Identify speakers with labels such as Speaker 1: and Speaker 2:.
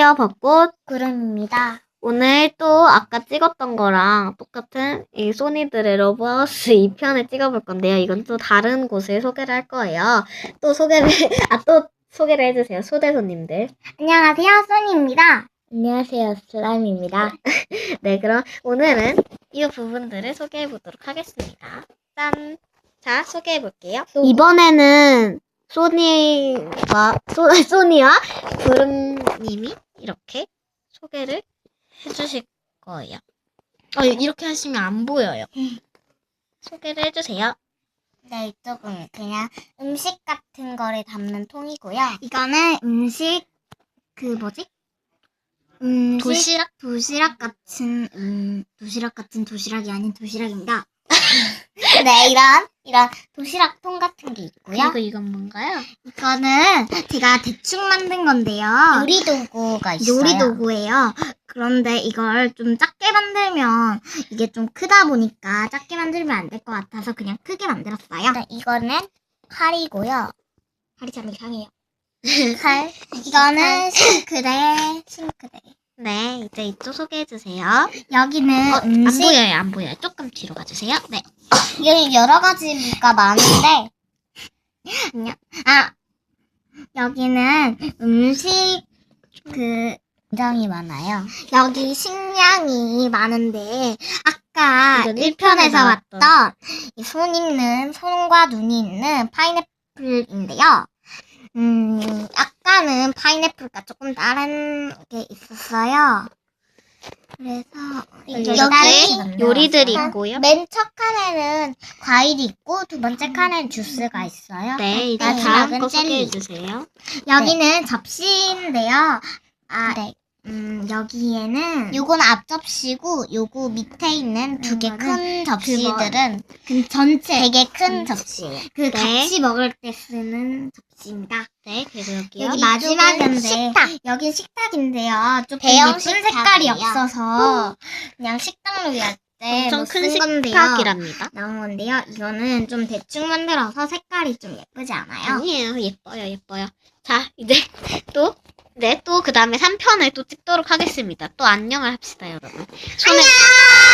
Speaker 1: 안녕하세요, 벚꽃
Speaker 2: 구름입니다.
Speaker 1: 오늘 또 아까 찍었던 거랑 똑같은 이 소니들의 러브하우스 2편을 찍어볼 건데요. 이건 또 다른 곳을 소개를 할 거예요. 또 소개를, 또 소개를 해주세요. 초대손님들.
Speaker 2: 안녕하세요, 소니입니다. 안녕하세요, 슬라임입니다.
Speaker 1: 네, 그럼 오늘은 이 부분들을 소개해 보도록 하겠습니다. 짠! 자, 소개해 볼게요. 이번에는 소니와 구름님이 이렇게 소개를 해주실 거예요. 이렇게 하시면 안 보여요. 소개를 해주세요.
Speaker 2: 네, 이쪽은 그냥 음식 같은 거를 담는 통이고요. 이거는 음식, 도시락 같은 도시락이 아닌 도시락입니다. 네, 이런 도시락 통 같은 게 있고요.
Speaker 1: 그리고 이건 뭔가요?
Speaker 2: 이거는 제가 대충 만든 건데요. 요리도구가 있어요. 요리도구예요. 그런데 이걸 좀 작게 만들면 이게 좀 크다 보니까 작게 만들면 안 될 것 같아서 그냥 크게 만들었어요. 네, 이거는 칼이고요. 칼이 참 이상해요. 칼. 이거는 싱크대.
Speaker 1: 네, 이제 이쪽 소개해주세요.
Speaker 2: 여기는 음식.
Speaker 1: 안 보여요. 조금 뒤로 가주세요. 네.
Speaker 2: 여기 여러 가지가 많은데. 안녕. 여기는 음식 굉장히 많아요. 여기 식량이 많은데 아까
Speaker 1: 이건
Speaker 2: 1편에서
Speaker 1: 1편에 나왔던
Speaker 2: 왔던 이 손과 눈이 있는 파인애플인데요. 아까는 파인애플과 조금 다른 게 있었어요. 그래서
Speaker 1: 이렇게 요리들이 있고요.
Speaker 2: 맨 첫 칸에는 과일이 있고 두 번째 칸에는 주스가 있어요.
Speaker 1: 네, 이제
Speaker 2: 마지막은
Speaker 1: 다음 거
Speaker 2: 젤리.
Speaker 1: 소개해주세요.
Speaker 2: 여기는 접시인데요. 여기에는 요건 앞접시고 요거 밑에 있는 두 개 큰 접시들은 전체 되게 큰 접시예요. 같이 먹을 때 쓰는 접시입니다.
Speaker 1: 네, 그리고 여기요.
Speaker 2: 여기 마지막인데 여긴 식탁인데요. 조금 예쁜 색깔이 없어서 그냥 식당놀이 할 때
Speaker 1: 엄청 큰
Speaker 2: 쓴 건데요.
Speaker 1: 식탁이랍니다.
Speaker 2: 나온 건데요. 이거는 좀 대충 만들어서 색깔이 좀 예쁘지 않아요?
Speaker 1: 아니에요. 예뻐요. 자, 이제 또 그 다음에 3편을 또 찍도록 하겠습니다. 또 안녕을 합시다, 여러분.
Speaker 2: 안녕!